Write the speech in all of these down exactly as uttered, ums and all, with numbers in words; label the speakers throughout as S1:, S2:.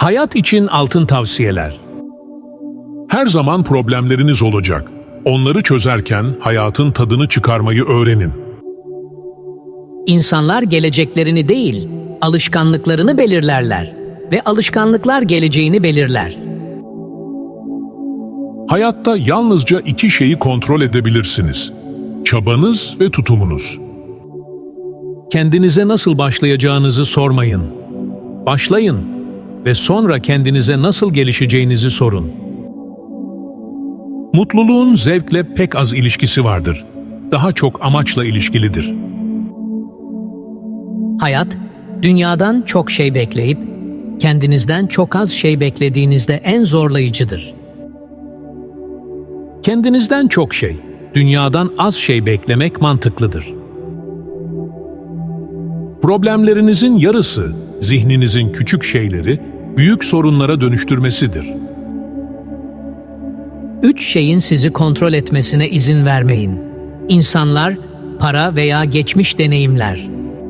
S1: Hayat için altın tavsiyeler. Her zaman problemleriniz olacak. Onları çözerken hayatın tadını çıkarmayı öğrenin.
S2: İnsanlar geleceklerini değil, alışkanlıklarını belirlerler ve alışkanlıklar geleceğini belirler.
S1: Hayatta yalnızca iki şeyi kontrol edebilirsiniz: çabanız ve tutumunuz. Kendinize nasıl başlayacağınızı sormayın. Başlayın ve sonra kendinize nasıl gelişeceğinizi sorun. Mutluluğun zevkle pek az ilişkisi vardır. Daha çok amaçla ilişkilidir.
S2: Hayat, dünyadan çok şey bekleyip, kendinizden çok az şey beklediğinizde en zorlayıcıdır.
S1: Kendinizden çok şey, dünyadan az şey beklemek mantıklıdır. Problemlerinizin yarısı, zihninizin küçük şeyleri büyük sorunlara dönüştürmesidir.
S2: Üç şeyin sizi kontrol etmesine izin vermeyin. İnsanlar, para veya geçmiş deneyimler.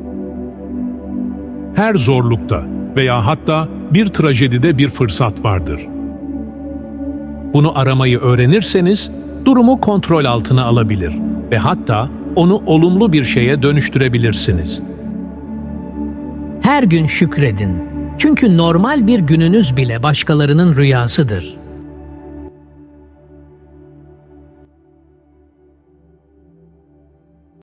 S1: Her zorlukta veya hatta bir trajedide bir fırsat vardır. Bunu aramayı öğrenirseniz durumu kontrol altına alabilir ve hatta onu olumlu bir şeye dönüştürebilirsiniz.
S2: Her gün şükredin. Çünkü normal bir gününüz bile başkalarının rüyasıdır.